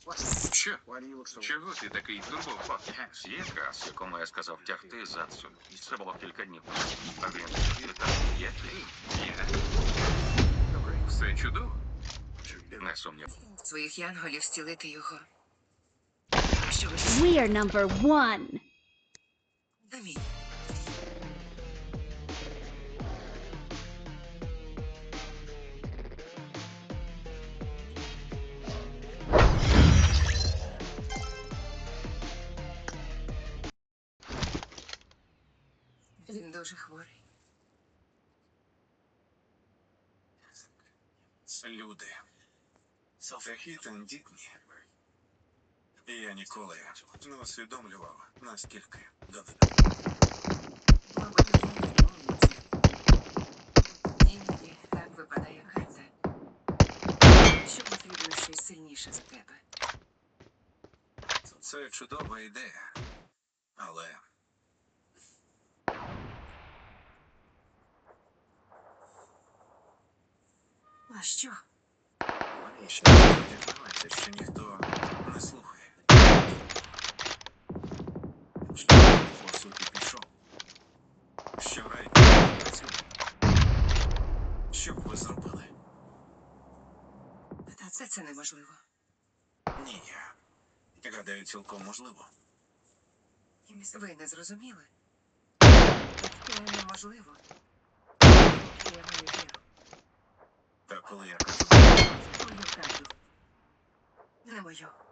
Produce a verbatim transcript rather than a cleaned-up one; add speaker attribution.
Speaker 1: Що? Чого ти такий турбований? Є газ, якому я сказав тягти задсу. Це було кілька днів. А він питав, є ти? Є. Все чудово? Не сумнів.
Speaker 2: Своїх янголів зцілити його. Що ви ж
Speaker 3: We are number one.
Speaker 2: самі? Він дуже хворий.
Speaker 4: Люди. Такі тендітні. І я ніколи не усвідомлював, наскільки доведено.
Speaker 2: Мабуть, він відмовиться. Іноді так випадає карта. Що потрібно щось сильніше за тебе.
Speaker 4: Це чудова ідея. Але
Speaker 2: А що?
Speaker 4: мені ще дізнається, що ніхто не слухає. Що по суті пішов. Що рай не працює. Що б ви зробили?
Speaker 2: Та це це неможливо.
Speaker 4: Ні. Гадаю, цілком можливо.
Speaker 2: Ви не зрозуміли? Це неможливо. Я маю віру.
Speaker 4: Та коли я кажу,
Speaker 2: Мою правду. Не мою.